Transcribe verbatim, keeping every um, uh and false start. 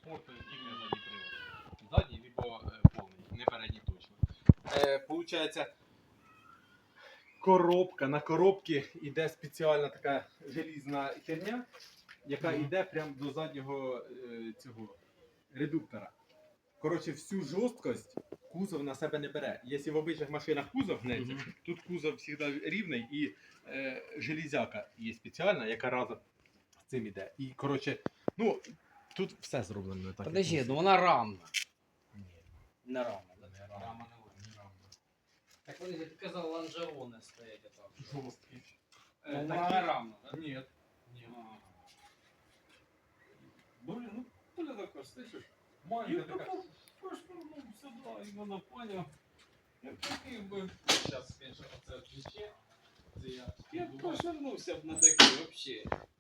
комфорту і не задній привод. Задній, либо е, повний, не передній точно. Е, Получається, коробка, на коробці йде спеціальна така желізна херня, яка Мгм. йде прямо до заднього е, цього редуктора. Коротше, всю жорсткость кузов на себе не бере. Якщо в обичних машинах кузов гнеться, Мгм. тут кузов завжди рівний і е, железяка є спеціальна, яка разом з цим іде. І коротше, ну, тут все зроблено так. як Подожди, мусить. ну вона рамна. Ні, Не рамна, да? не рамна. Рама не Не рамна. Так подожди, ти казав, лонжерони стоять там. Жорсткі. Ну, Е, вона такі- не рамна, да? Ні. Ні. Ага. Блин, ну Толя такой, слышишь? Маленька Я така. такой пошпурнул сюда, и вона понял. Я такий би, Зараз, звісно, оце відключе. Це я. я б пошарнувся б на такий вообще.